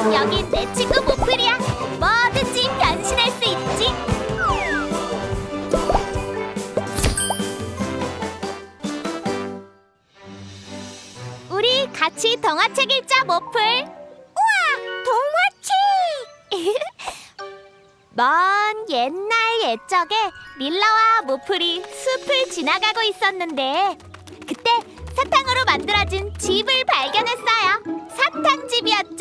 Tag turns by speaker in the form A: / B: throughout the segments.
A: 여긴 내 친구 모플이야. 뭐든지 변신할 수 있지. 우리 같이 동화책 읽자, 모플. 우와, 동화책! 먼 옛날 옛적에 릴라와 모플이 숲을 지나가고 있었는데 그때 사탕으로 만들어진 집을 발견했어요. 사탕집이었죠?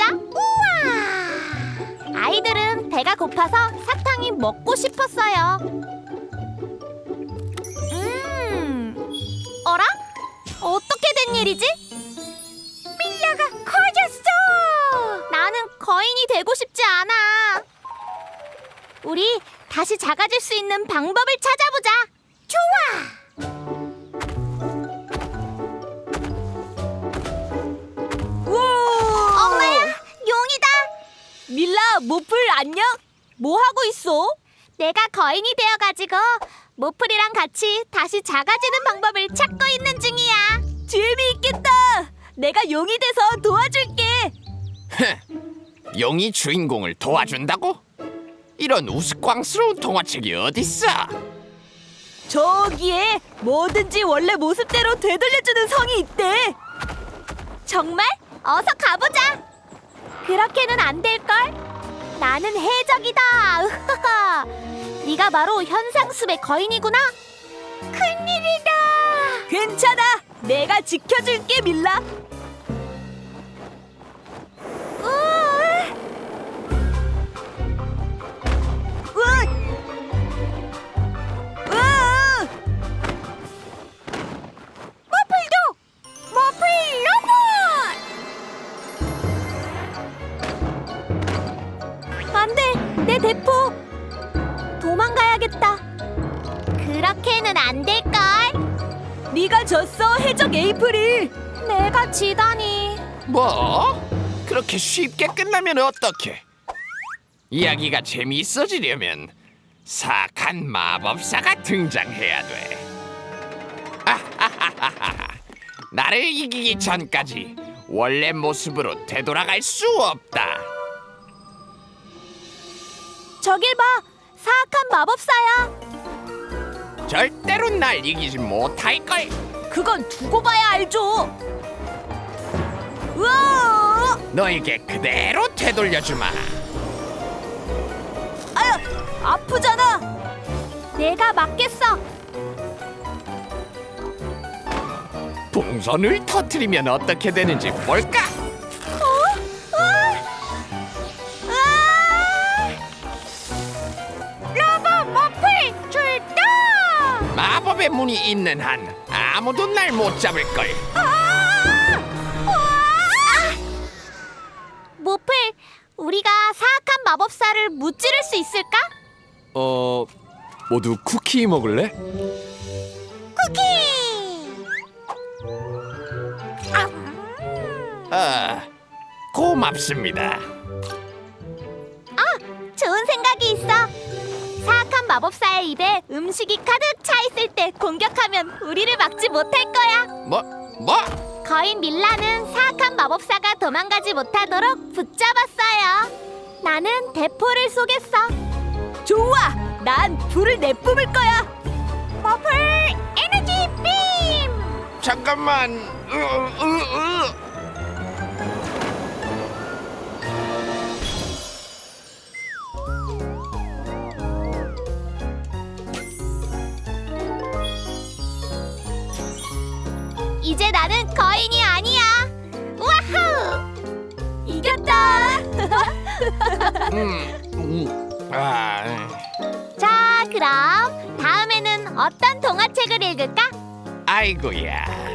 A: 우와! 아이들은 배가 고파서 사탕이 먹고 싶었어요. 어라? 어떻게 된 일이지? 밀라가 커졌어! 나는 거인이 되고 싶지 않아. 우리 다시 작아질 수 있는 방법을 찾아보자. 좋아!
B: 우와!
A: 엄마야, 용이다.
B: 밀라, 모플 안녕? 뭐 하고 있어?
A: 내가 거인이 되어가지고 모플이랑 같이 다시 작아지는 방법을 찾고 있는 중이야.
B: 재미있겠다. 내가 용이 돼서 도와줄게.
C: 용이 주인공을 도와준다고? 이런 우스꽝스러운 동화책이 어딨어?
B: 저기에 뭐든지 원래 모습대로 되돌려주는 성이 있대.
A: 정말? 어서 가보자. 그렇게는 안 될걸? 나는 해적이다. 으하하. 네가 바로 현상숲의 거인이구나. 큰일이다.
B: 괜찮아. 내가 지켜줄게, 밀라. 우와! 우와!
A: 모플도! 모플 로봇!
B: 안 돼! 내 대포!
A: 도망가야겠다. 그렇게는 안 될걸?
B: 네가 졌어, 해적 에이프릴.
A: 내가 지다니.
C: 뭐? 그렇게 쉽게 끝나면 어떡해? 이야기가 재미있어지려면 사악한 마법사가 등장해야 돼. 아하하하하. 나를 이기기 전까지 원래 모습으로 되돌아갈 수 없다.
A: 저길 봐. 사악한 마법사야.
C: 절대로 날 이기지 못할걸.
B: 그건 두고 봐야 알죠. 우와!
C: 너에게 그대로 되돌려주마.
B: 아유, 아프잖아.
A: 내가 막겠어.
C: 풍선을 터뜨리면 어떻게 되는지 볼까?
A: 로봇 모플 출동!
C: 마법의 문이 있는 한 아무도 날 못 잡을걸.
A: 모플, 우리가 사악한 마법사를 무찌를 수 있을까?
C: 모두 쿠키 먹을래?
A: 쿠키!
C: 고맙습니다.
A: 좋은 생각이 있어. 사악한 마법사의 입에 음식이 가득 차 있을 때 공격하면 우리를 막지 못할 거야.
C: 뭐?
A: 거인 밀라는 사악한 마법사가 도망가지 못하도록 붙잡았어요. 나는 대포를 쏘겠어.
B: 좋아. 난 불을 내뿜을 거야.
A: 모플 에너지 빔!
C: 잠깐만.
A: 이제 나는 거인이 아니야. 와우! 이겼다. 자, 그럼 다음에는 어떤 동화책을 읽을까?
C: 아이고야.